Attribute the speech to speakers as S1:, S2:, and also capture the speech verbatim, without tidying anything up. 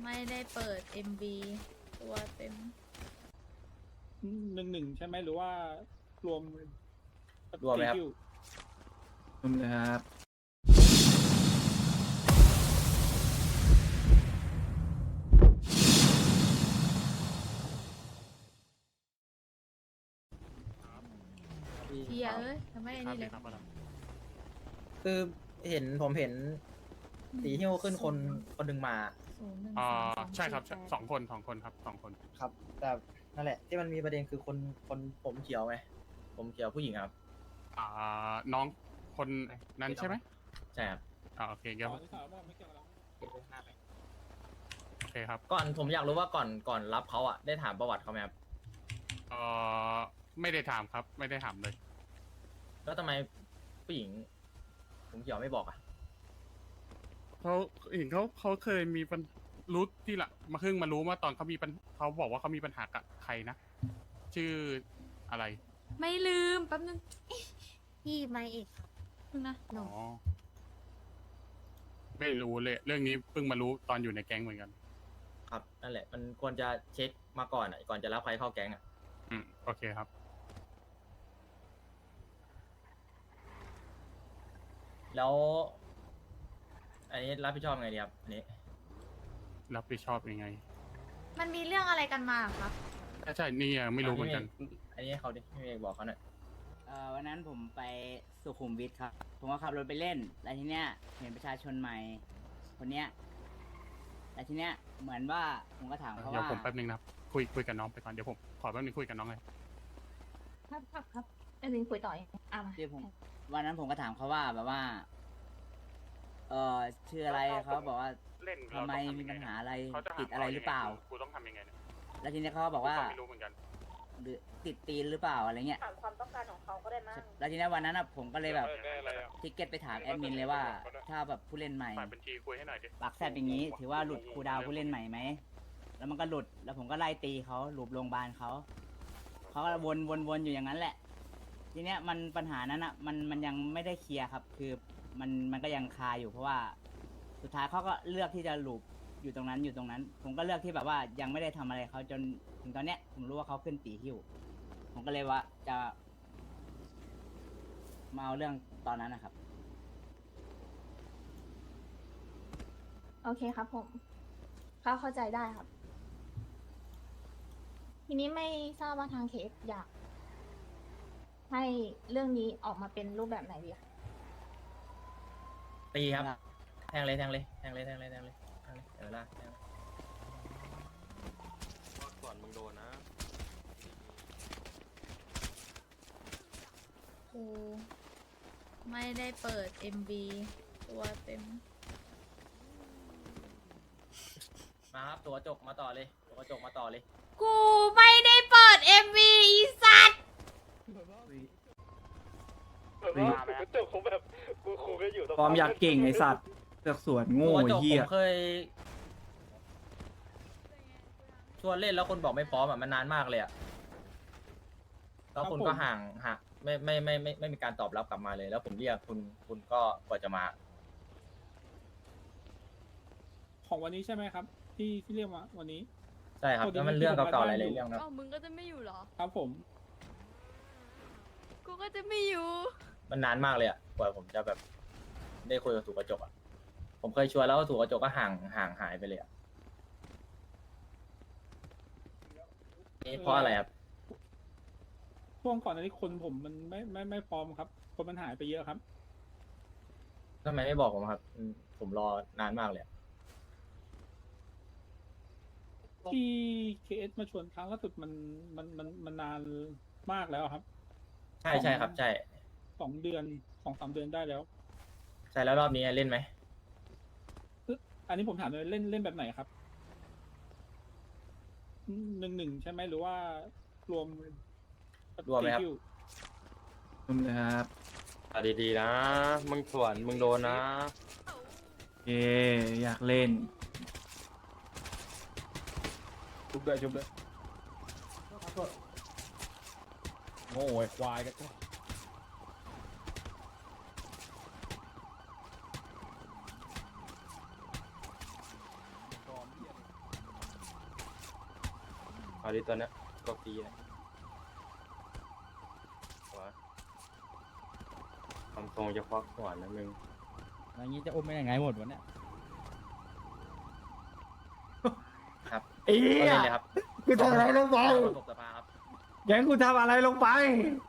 S1: ไม่ได้เปิด เอ็ม วี ตัวเต็ม
S2: หนึ่งหนึ่งใช่ไหมหรือว่ารวม
S3: รวมไหมครับ
S2: คิว
S4: รวมเลยครับ
S1: เฮียเอ้ยทำไมไอ้นี่เลย
S3: คือเห็นผมเห็นสีหิ้วขึ้นคนคนหนึ่งมา
S1: ศูนย์หนึ่ง
S5: อ่า
S1: สาม
S5: ใช่ครับ
S1: สี่แปด
S5: สองคนสองคนครับสองคน
S3: ครับ แต่นั่นแหละ ที่มันมีประเด็นคือคนคนผมเขียวไหมผมเขียวผู้หญิงครับ
S5: อ่าน้องคนนั้นใช่ไหม
S3: ใช่ครับ
S5: อ่าโอเคเดี๋ยว
S2: อ๋อนี่ข่าวว่าไม่เกี่ยวกับเรา
S5: โอเคครับ
S3: ก่อนผมอยากรู้ว่าก่อนก่อนรับเขาอะได้ถามประวัติเขาไหมครับ
S5: เอ่อไม่ได้ถามครับ ไม่ได้ถามเลย
S3: แล้วทำไมผู้หญิง ผมเขียวไม่บอกอะ
S5: เขาเห็นเขาเขาเคยมีปัญรู้ที่ละมาเพิ่งมารู้ว่าตอนเขามีปัญเขาบอกว่าเขามีปัญหากับใครนะ ชื่ออะไร
S1: ไม่ลืมแป๊บนึง
S6: พี่ไม่เอกครับ
S1: นึงนะ
S6: หนู
S5: อ๋อไม่รู้เลย เรื่องนี้เพิ่งมารู้ตอนอยู่ในแก๊งเหมือนกัน
S3: ครับ นั่นแหละ มันควรจะเช็คมาก่อนอะก่อนจะรับใครเข้าแก๊งอะ
S5: อืมโอเคครับ
S3: แล้ว อันนี้รับผิดชอบไงดีครับ อันนี้
S5: รับผิดชอบยังไง
S1: มันมีเรื่องอะไรกันมาครับ
S5: ใช่ใช่นี่ยังไม่รู้เหมือนกัน
S3: อันนี้ให้เขาดิพี่เมย์บอกเขาหน่อย
S7: เอ่อวันนั้นผมไปสุขุมวิทครับ ผมก็ขับรถไปเล่น แล้วทีเนี้ยเห็นประชาชนใหม่ คนเนี้ยแล้วทีเนี้ยเหมือนว่าผมก็ถามเขา
S5: เดี๋ยว
S7: ว่า
S5: ผมแป๊บนึงนะครับ คุยคุยกับน้องไปก่อน เดี๋ยวผมขอแป๊บนึงคุยกับน้องเลย
S6: ครับครับครับไอ้ลิงคุยต่อเองอ่ะมา
S7: ที่ผมวันนั้นผมก็ถามเขาว่าแบบว่า เออชื่ออะไรเขาบอกว่า
S5: เล่น
S7: ทำไมมีปัญหาอะไร
S5: เขาจะ
S7: ติดอะไรหรือเปล่า
S5: กูต้องทำยังไงเนี่ย
S7: แล้วทีเนี้ยเขาก็บอกว่า
S5: กูไม่รู้เหมือนกัน
S7: หรือติดตีนหรือเปล่าอะไรเงี้ย
S6: ถามความต้องการของเขาก็ได้มั้ง
S7: แล้วทีเนี้ยวันนั้นอะผมก็เลยแบบทิกเก็ตไปถามแอดมินเลยว่า ถ้าแบบผู้เล่นใหม่
S5: ฝ่ายบัญชีคุยให้หน่อยดิ
S7: ปากแซบอย่างนี้ ถือว่าหลุดครูดาวผู้เล่นใหม่ไหม แล้วมันก็หลุด แล้วผมก็ไล่ตีเขาหลุบโรงพยาบาลเขา เขาก็วนวนวนอยู่อย่างนั้นแหละ ทีเนี้ยมันปัญหานั้นอ่ะ มันมันยังไม่ได้เคลียร์ครับ คือมันมันก็ยังคาอยู่เพราะว่า สุดท้ายเขาก็เลือกที่จะหลุบอยู่ตรงนั้นอยู่ตรงนั้น ผมก็เลือกที่แบบว่ายังไม่ได้ทำอะไรเขาจนถึงตอนเนี้ยผมรู้ว่าเขาขึ้นตีหิ้ว ผมก็เลยว่าจะมาเอาเรื่องตอนนั้นนะครับ
S6: โอเคครับผมเขาเข้าใจได้ครับ ทีนี้ไม่ทราบว่าทางเคสอยาก ให้เรื่องนี้ออกมาเป็นรูปแบบไหนดีคะ
S3: ตีครับ แทงเลยแทงเลยแทงเลยแทงเลยแทงเลยแทงเลยเดี๋ยวลากแทงเลย
S8: ก่อนมึงโดนนะ
S1: กูไม่ได้เปิด เอ็ม วี ตัวเต็ม
S3: มาครับตัวกระจกมาต่อเลยตัวกระจกมาต่อเลย
S1: กูไม่ได้เปิด เอ็ม วี อีสัตว์
S8: กระจกผมแบบกูครูก็อยู่ตรง
S4: ความอยากเก่งไอสัตว์เสือกสวนโง่
S3: ตัวก
S4: ไอ้
S3: ระจก
S4: เหี้
S3: ผ
S4: ย
S3: มเคยชวนเล่นแล้วคนบอกไม่พร้อมอ่ะมันนานมากเลยอ่ะแล้วคุณก็ห่างห่างไม่ไม่ไม่ไม่ไม่มีการตอบรับกลับมาเลย แล้วผมเรียกคุณคุณก็กว่าจะมา
S2: ของวันนี้ใช่ไหมครับ ที่ที่เรียกมาวันนี้
S3: ใช่ครับแล้วมันเรื่องเก่าๆหลายๆเรื่องนะ
S1: เอ้ามึงก็จะไม่อยู่เหรอ
S2: ครับผม
S1: กูก็จะไม่อยู่
S3: มันนานมากเลยอ่ะกว่าผมจะแบบได้คุยกับถูกกระจกอ่ะผมเคยชวนแล้วถูกกระจกก็ห่างห่างหายไปเลยอ่ะนี่เพราะอะไรครับ
S2: ช่วงก่อนอันนี้คนผมมันไม่ไม่ไม่พร้อมครับ คนมันหายไปเยอะครับ
S3: ทำไมไม่บอกผมครับอืมผมรอนานมากเลยอะ
S2: ที่เคเอสมาชวนครั้งล่าสุดมันมันมันมันนานมากแล้วครับ
S3: ใช่ใช่ครับ ใช่
S2: สองเดือนสองสามเดือนได้แล้ว
S3: ใช่แล้วรอบนี้เล่นไหม
S2: อันนี้ผมถามเลยเล่นเล่นแบบไหนครับหนึ่งหนึ่งใช่ไหมหรือว่ารวม
S3: รวมไหมครับ
S2: คิว
S4: รวมเลยครับ
S8: อ่ะดีๆนะ มึงสวนมึงโดนนะ
S4: เย้อยากเล่น
S2: ชุบเลยชุบเลยโง่ไอ้ควายกัน
S8: เอาดิตัวเนี้ยตัวปีนะหัวทำทรงจะควักหัวนะมึง
S9: อย่างนี้จะอมไปยังไงหมดวะเนี่ย
S3: ครับ
S4: เอ้
S3: ก็
S4: ย
S3: เล่นเลยครับ
S4: กูทำอะไรลงไป
S3: ประสบสภาครับ
S4: แกงกูทำอะไรลงไป